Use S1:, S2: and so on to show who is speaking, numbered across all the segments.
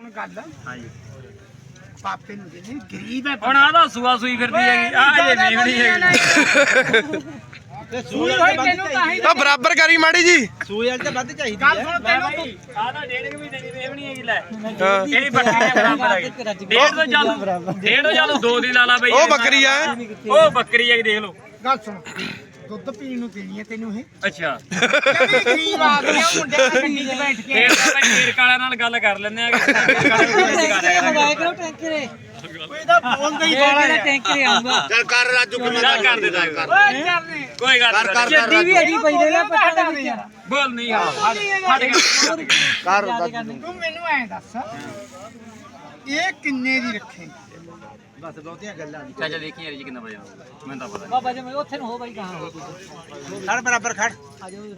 S1: ਸੁਣ ਗੱਲ
S2: ਹਾਂ ਜੀ
S1: ਪਾਪੇ ਨੂੰ ਦੇ ਗਰੀਬ ਹੈ
S2: ਹੁਣ ਆਦਾ ਸੂਆ ਸੂਈ ਫਿਰਦੀ ਹੈਗੀ ਆ ਜੇ ਮੇਵਣੀ ਹੈਗੀ
S1: ਤੇ ਸੂਈ ਹੋਈ ਤੈਨੂੰ ਤਾਂ ਹੀ
S3: ਆ ਬਰਾਬਰ ਕਰੀ ਮਾੜੀ ਜੀ
S4: ਸੂਈ ਵਾਲੀ ਤਾਂ ਵੱਧ ਚਾਹੀਦੀ
S1: ਗੱਲ ਸੁਣ ਤੈਨੂੰ
S2: ਆਦਾ ਡੇਢ ਮਹੀਨੇ ਦੀ ਮੇਵਣੀ ਹੈਗੀ ਲੈ
S3: ਹਾਂ
S2: ਇਹਦੀ ਬੱਕਰੀ ਦੇ ਬਰਾਬਰ ਹੈਗੀ ਡੇਢ ਤੋਂ ਚੱਲ 2 ਦੀ ਲਾ ਲਾ ਬਈ
S3: ਉਹ ਬੱਕਰੀ ਆ
S2: ਉਹ ਬੱਕਰੀ ਹੈਗੀ ਦੇਖ ਲਓ
S1: ਗੱਲ ਸੁਣ ਦੁੱਧ ਪੀਣ ਨੂੰ ਦੇਣੀ ਹੈ ਤੈਨੂੰ ਇਹ
S2: ਅੱਛਾ
S1: ਕਹਿੰਦੀ ਗਰੀਬ ਆ ਗਿਆ ਮੁੰਡੇ ਨਾਲ ਗੱਡੀ 'ਚ ਬੈਠ ਕੇ
S2: ਫੇਰ ਤਾਂ ਫੇਰ ਕਾਲਿਆਂ ਨਾਲ ਗੱਲ ਕਰ ਲੈਂਦੇ ਆ
S1: ਕੋਈ ਤਾਂ ਬੋਲਦਾ ਹੀ ਬਾਲਾ ਹੈ
S5: ਟੈਂਕਰ ਆਉਂਗਾ
S4: ਚੱਲ ਕਰ ਰਾਜੂ
S2: ਚੱਲ ਕਰ ਦੇ ਕਰ
S1: ਓਏ ਚੱਲ ਨੀ
S2: ਕੋਈ ਗੱਲ ਨਹੀਂ
S5: ਜੱਦੀ ਵੀ ਅਜੀ ਪਈ ਦੇ ਨਾ ਪਤਾ ਨਹੀਂ ਯਾਰ
S2: ਬੋਲ ਨਹੀਂ ਹਟ
S4: ਕਰ
S1: ਤੂੰ ਮੈਨੂੰ ਐਂ ਦੱਸ ਇਹ ਕਿੰਨੇ ਦੀ ਰੱਖੇ
S4: ਬਸ ਬਹੁਤੀਆਂ ਗੱਲਾਂ ਨਹੀਂ
S2: ਚਾਚਾ ਦੇਖੀ ਯਾਰ ਜੀ ਕਿੰਨਾ ਵਜਾ ਮੈਨੂੰ ਤਾਂ ਪਤਾ
S5: ਬਾਬਾ ਜੀ ਮੈਂ ਉੱਥੇ ਨੂੰ ਹੋ ਬਾਈ ਕਹਾਂ ਹੋ
S4: ਖੜ ਬਰਾਬਰ ਖੜ
S5: ਆ ਜਾਓ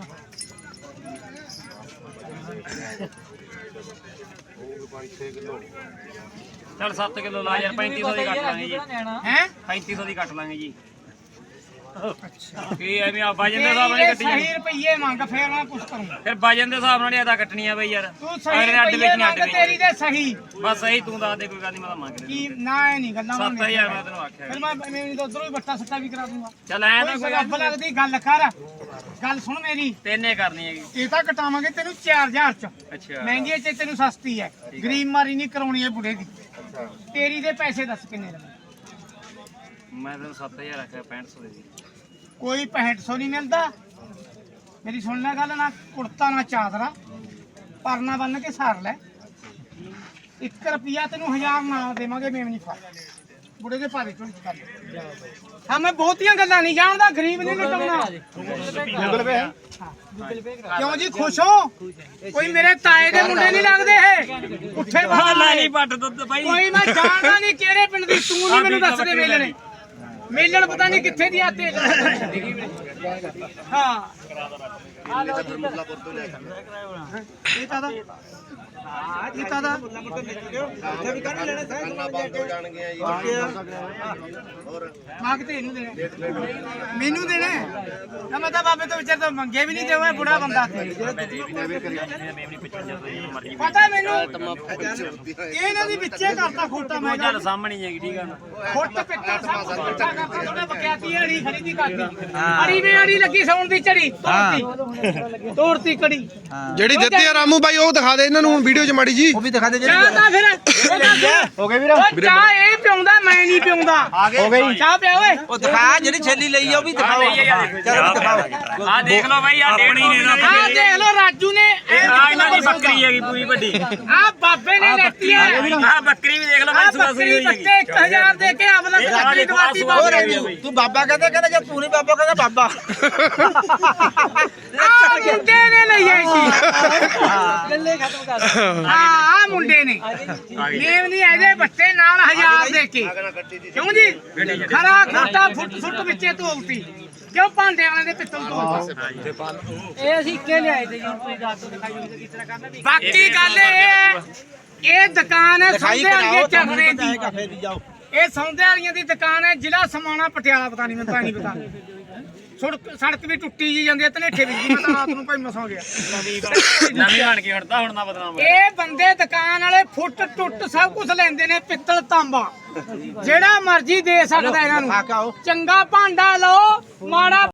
S2: ਚੱਲ 7 ਕਿਲੋ ਲਾ ਯਾਰ 3500 ਦੀ ਕੱਟ ਲਾਂਗੇ ਜੀ
S1: ਹੈ
S2: 3500 ਦੀ ਕੱਟ ਲਾਂਗੇ ਜੀ ਕੀ ਐਵੇਂ ਆ ਵਜਨ ਦੇ ਹਿਸਾਬ ਨਾਲ ਕੱਟੀ ਜਾਣੀ
S1: ਸਹੀ ਰੁਪਈਏ ਮੰਗ ਫੇਰ ਮੈਂ ਕੁਛ ਕਰੂੰਗਾ
S2: ਫਿਰ ਵਜਨ ਦੇ ਹਿਸਾਬ ਨਾਲ ਹੀ ਆਦਾ ਕੱਟਣੀ ਆ ਬਈ ਯਾਰ
S1: ਤੂੰ ਸਹੀ
S2: ਅਗਲੇ ਅੱਡ
S1: ਰੁਪਈਏ
S2: ਵਿੱਚ ਨਹੀਂ
S1: ਮੰਗ
S2: ਅੱਡ
S1: ਤੇਰੀ
S2: ਵਿੱਚ
S1: ਤੇ ਸਹੀ
S2: ਬਸ ਸਹੀ ਤੂੰ ਦੱਸ ਦੇ ਕੋਈ ਗੱਲ ਨਹੀਂ ਮੈਂ ਤਾਂ ਮੰਗ
S1: ਕੀ
S2: ਲੈਂਦਾ
S1: ਨਾ ਇਹ ਨਹੀਂ ਗੱਲਾਂ
S2: 7000 ਮੈਂ ਤੈਨੂੰ ਆਖਿਆ
S1: ਫਿਰ ਮੈਂ ਮੈਨੂੰ ਤਾਂ ਉਧਰੋਂ ਹੀ ਬੱਟਾ ਸੱਟਾ ਵੀ ਕਰਾ ਦੂੰਗਾ
S2: ਚੱਲ ਐ ਤਾਂ
S1: ਕੋਈ
S2: ਕੋਈ
S1: ਰੱਬ ਲੱਗਦੀ ਗੱਲ ਕਰ ਗੱਲ ਸੁਣ ਮੇਰੀ
S2: ਤੈਨੇ ਕਰਨੀ ਹੈਗੀ
S1: ਇਹ ਤਾਂ ਕਟਾਵਾਂਗੇ ਤੈਨੂੰ 4000 ਚ
S2: ਅੱਛਾ
S1: ਮਹਿੰਗੀ ਚ ਤੈਨੂੰ ਸਸਤੀ ਹੈ ਗਰੀਬ ਮਾਰੀ ਨਹੀਂ ਕਰਾਉਣੀ ਹੈ ਬੁੜੇ ਦੀ ਤੇਰੀ ਦੇ ਪੈਸੇ ਦੱਸ ਕਿੰਨੇ ਲੈਣੇ
S2: ਮੈਂ ਤੈਨੂੰ 7000 ਆਖਿਆ 6500 ਦੇ ਦੀ
S1: ਕੋਈ 6500 ਨਹੀਂ ਮਿਲਦਾ ਮੇਰੀ ਸੁਣ ਲੈ ਗੱਲ ਨਾ ਕੁੜਤਾ ਨਾ ਚਾਦਰਾ ਪਰਨਾ ਬੰਨ ਕੇ ਸਾਰ ਲੈ 1 ਰੁਪਿਆ ਤੈਨੂੰ 1000 ਨਾ ਦੇਵਾਂਗੇ ਮੇਵਨੀ ਫੜ ਬੁੜੇ ਦੇ ਭਾਰੇ ਚੋਂ ਕਰ ਹਾਂ ਮੈਂ ਬਹੁਤੀਆਂ ਗੱਲਾਂ ਨਹੀਂ ਜਾਣਦਾ ਗਰੀਬ ਨਹੀਂ ਲਟਾਉਣਾ
S4: ਗੂਗਲ ਪੇ
S1: ਕਿਉਂ ਜੀ ਖੁਸ਼ ਹੋ ਕੋਈ ਮੇਰੇ ਤਾਏ ਦੇ ਮੁੰਡੇ ਨਹੀਂ ਲੱਗਦੇ ਇਹ ਉੱਥੇ ਬਾਹਰ
S2: ਲੈ ਨਹੀਂ ਪੱਟ ਦੁੱਧ ਭਾਈ
S1: ਕੋਈ ਮੈਂ ਜਾਣਦਾ ਨਹੀਂ ਕਿਹੜੇ ਪਿੰਡ ਦੀ ਤੂੰ ਨਹੀਂ ਮੈਨੂੰ ਦੱਸ ਦੇ ਮੇਲਣੇ ਮੇਲਣ ਪਤਾ ਨਹੀਂ ਕਿੱਥੇ ਦੀ ਆਤੇ ਹਾਂ ਇਹ ਤਾਂ ਇਹ ਤਾਂ
S4: ਉੱਥੇ ਵੀ ਕਰ ਲੈਣਾ ਸਾਰਾ ਬੰਦ ਹੋ ਜਾਣਗੇ ਜੀ
S1: ਮੰਗਤੇ ਇਹਨੂੰ ਦੇਣੇ ਮੈਨੂੰ ਦੇਣੇ ਨਾ ਮੈਂ ਤਾਂ ਬਾਬੇ ਤੋਂ ਵਿਚਾਰ ਤੋਂ ਮੰਗੇ ਵੀ ਨਹੀਂ ਦੇਵਾਂ ਇਹ ਬੁੜਾ ਬੰਦਾ ਪਤਾ ਮੈਨੂੰ ਇਹ ਇਹਨਾਂ ਦੀ ਵਿੱਚੇ ਕਰਤਾ ਖੋਟਾ ਮੈਂ
S2: ਚੱਲ ਸਾਹਮਣੇ ਹੀ ਹੈਗੀ ਠੀਕ ਆ ਨਾ
S1: ਫੁੱਟ ਪਿੱਟਾ ਸਭ ਕੁਝ ਇਕੱਠਾ ਕਰਤਾ ਥੋੜਾ ਬਕਿਆਤੀ ਅੜੀ ਖਰੀਦੀ ਕਰਦੀ ਅੜੀ ਵੇ ਅੜੀ ਲੱਗੀ ਸੌਣ ਦੀ ਝੜੀ ਤੋੜਤੀ ਕੜੀ
S3: ਜਿਹੜੀ ਦਿੱਤੀ ਆ ਰਾਮੂ ਬਾਈ ਉਹ ਦਿਖਾ ਦੇ ਇਹਨਾਂ ਨੂੰ ਹੁਣ ਵੀਡੀਓ 'ਚ ਮਾੜੀ ਜੀ
S4: ਉਹ ਵੀ ਦਿਖਾ ਦੇ
S1: ਚਾਹ ਤਾਂ ਫਿਰ
S4: ਹੋ ਗਏ ਵੀਰ
S1: ਉਹ ਚਾਹ ਇਹ ਪਿਉਂਦਾ ਮੈਂ ਨਹੀਂ ਪਿਉਂਦਾ
S4: ਹੋ ਗਈ
S1: ਚਾਹ ਪਿਆ ਓਏ
S4: ਉਹ ਦਿਖਾ ਜਿਹੜੀ ਛੇਲੀ ਲਈ ਆ ਉਹ ਵੀ ਦਿਖਾਓ ਚਲੋ ਦਿਖਾਓ
S2: ਆ ਦੇਖ ਲਓ ਭਾਈ ਆ ਡੇਢ ਮਹੀਨੇ ਦਾ
S1: ਆਹ ਦੇਖ ਲੋ ਰਾਜੂ ਨੇ
S2: ਆ ਇਹਨਾਂ ਦੀ ਬੱਕਰੀ ਹੈਗੀ ਪੂਰੀ ਵੱਡੀ
S1: ਆਹ ਬਾਬੇ ਨੇ ਲੈਤੀ ਹੈ
S2: ਆ ਬੱਕਰੀ ਵੀ ਦੇਖ ਲਓ
S1: ਆਹ
S2: ਭਾਈ ਸੁਆ
S1: ਬੱਕਰੀ
S2: ਸੂਈ ਹੋਈ
S1: ਬੱਤੇ 1000 ਦੇ ਕੇ ਅਵਲਾ ਬੱਕਰੀ ਦਵਾਤੀ ਬਾਬੇ ਨੂੰ
S4: ਤੂੰ ਬਾਬਾ ਕਹਿੰਦਾ ਜੇ ਤੂੰ ਨਹੀਂ ਬਾਬਾ ਕਹਿੰਦਾ ਬਾਬਾ
S1: ਆਹ ਮੁੰਡੇ ਨੇ ਲਈ ਆਈ ਸੀ
S5: ਗੱਲੇ ਖਤਮ ਕਰ
S1: ਆਹ ਮੁੰਡੇ ਨੇ ਨੇਮ ਨਹੀਂ ਇਹਦੇ ਬੱਤੇ ਨਾਲ 1000 ਦੇ ਕੇ ਕਿਉਂ ਜੀ ਖਰਾ ਖੋਟਾ ਫੁੱਟ ਫੁੱਟ ਵਿੱਚੇ ਧੋਲਤੀ ਕਿਉਂ ਭਾਂਡੇ ਵਾਲੇ ਦੇ ਪਿੱਤਲ ਤੋਂ
S5: ਇਹ ਅਸੀਂ ਇੱਕੇ ਲਿਆਏ ਤੇ ਜੀ ਹੁਣ ਤੁਸੀਂ ਦੱਸ ਦਿਓ ਦਿਖਾਈ ਹੋਵੇ ਕਿਸ ਤਰ੍ਹਾਂ ਕਰਨਾ ਵੀ
S1: ਬਾਕੀ ਗੱਲ ਇਹ ਹੈ ਇਹ ਦੁਕਾਨ ਹੈ
S4: ਦਿਖਾਈ
S1: ਸੌਦੇ ਵਾਲੀਏ
S4: ਕਰਾਓ
S1: ਚਰਨੇ ਦੀ
S4: ਕਾਫੇ ਦੀ ਜਾਓ
S1: ਇਹ ਸੌਦੇ ਵਾਲੀਆਂ ਦੀ ਦੁਕਾਨ ਹੈ ਜ਼ਿਲ੍ਹਾ ਸਮਾਣਾ ਪਟਿਆਲਾ ਪਤਾ ਨਹੀਂ ਮੈਨੂੰ ਤਾਂ ਨਹੀਂ ਪਤਾ ਸੜਕ ਵੀ ਟੁੱਟੀ ਜੀ ਜਾਂਦੀ ਹੈ ਧਨੇਠੇ ਵਿੱਚ ਮੈਂ ਤਾਂ ਰਾਤ ਨੂੰ ਭਾਈ ਮਸਾ ਗਿਆ
S2: ਨਵੀਂ ਬਣ ਕੇ ਹਟਦਾ ਹੁਣ ਨਾ ਬਦਨਾਮ
S1: ਇਹ ਬੰਦੇ ਦੁਕਾਨ ਵਾਲੇ ਫੁੱਟ ਟੁੱਟ ਸਭ ਕੁਝ ਲੈਂਦੇ ਨੇ ਪਿੱਤਲ ਤਾਂਬਾ ਜਿਹੜਾ ਮਰਜ਼ੀ ਦੇ ਸਕਦਾ ਇਹਨਾਂ
S4: ਆ ਕੇ ਆਓ।
S1: ਨੂੰ ਚੰਗਾ ਭਾਂਡਾ ਲਓ ਮਾੜਾ